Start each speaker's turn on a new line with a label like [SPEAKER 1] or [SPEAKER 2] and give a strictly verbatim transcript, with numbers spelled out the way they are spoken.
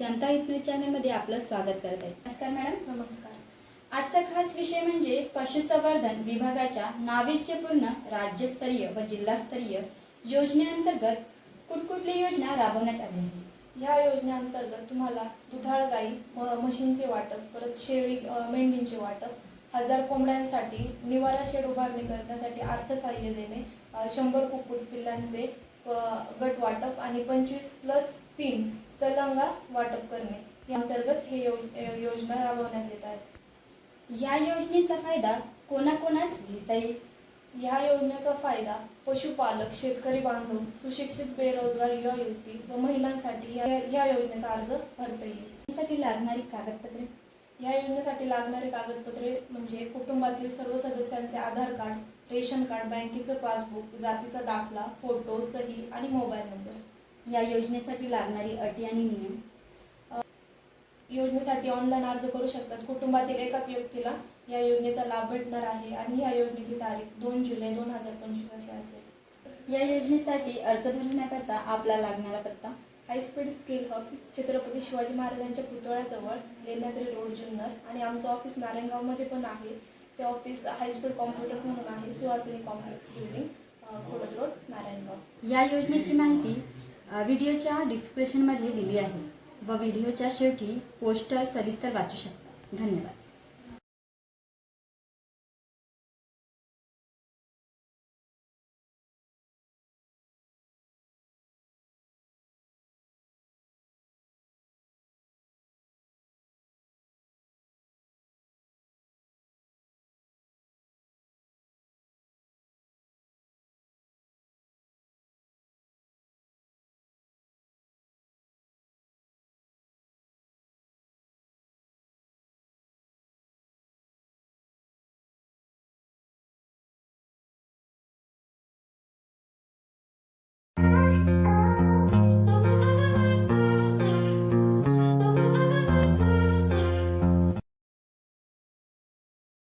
[SPEAKER 1] जनता हित न्यूज चॅनलमध्ये आपलं स्वागत करत आहे। नमस्कार मॅडम।
[SPEAKER 2] नमस्कार।
[SPEAKER 1] आजचा खास विषय म्हणजे पशुसंवर्धन विभागाच्या नाविन्यपूर्ण राज्यस्तरीय व जिल्हास्तरीय योजनेअंतर्गत कुठकुठली योजना राबवण्यात आली आहे।
[SPEAKER 2] ह्या योजनेअंतर्गत तुम्हाला दुधाळ गाई म्हशींचे वाटप, परत शेळी मेंढींचे वाटप, हजार कोंबड्यांसाठी निवारा शेड उभारणी करण्यासाठी अर्थसहाय्य देणे, शंभर कुक्कुट पिल्लांचे गट वाटप आणि पंचवीस प्लस तीन तलंगा वाटप करणे या अंतर्गत हे योजना राबवण्यात येत आहेत।
[SPEAKER 1] या योजनेचा फायदा कोणाकोणास घेता येईल?
[SPEAKER 2] ह्या योजनेचा फायदा पशुपालक, शेतकरी बांधव, सुशिक्षित बेरोजगार युवा युवती व महिलांसाठी या योजनेचा अर्ज भरता येईल।
[SPEAKER 1] यासाठी लागणारी कागदपत्रे?
[SPEAKER 2] या योजनेसाठी लागणारे कागदपत्रे म्हणजे कुटुंबातील सर्व सदस्यांचे आधार कार्ड, रेशन कार्ड, बँकेचं पासबुक, जातीचा दाखला, फोटो, सही आणि मोबाईल नंबर।
[SPEAKER 1] या योजनेसाठी लागणारी अटी आणि नियम?
[SPEAKER 2] योजनेसाठी ऑनलाईन अर्ज करू शकतात। कुटुंबातील एकाच व्यक्तीला या योजनेचा लाभ भेटणार आहे आणि या योजनेची तारीख दोन जुलै दोन हजार पंचवीस अशी असेल।
[SPEAKER 1] या योजनेसाठी अर्ज भरण्याकरता आपला लागणारा पत्ता?
[SPEAKER 2] High speed skill hub, Chhatrapati Shivaji महाराजांच्या पुतळ्याजवळ, लेण्याद्री रोड, जुन्नर आणि आमचं ऑफिस नारायणगावमध्ये पण आहे। ते ऑफिस हायस्पीड कॉम्प्युटर म्हणून आहे, Suhasini complex building, Khodad road, Narayangaon.
[SPEAKER 1] या योजनेची माहिती व्हिडिओच्या डिस्क्रिप्शनमध्ये दिली आहे व व्हिडिओच्या शेवटी पोस्टर सविस्तर वाचू शकता। धन्यवाद।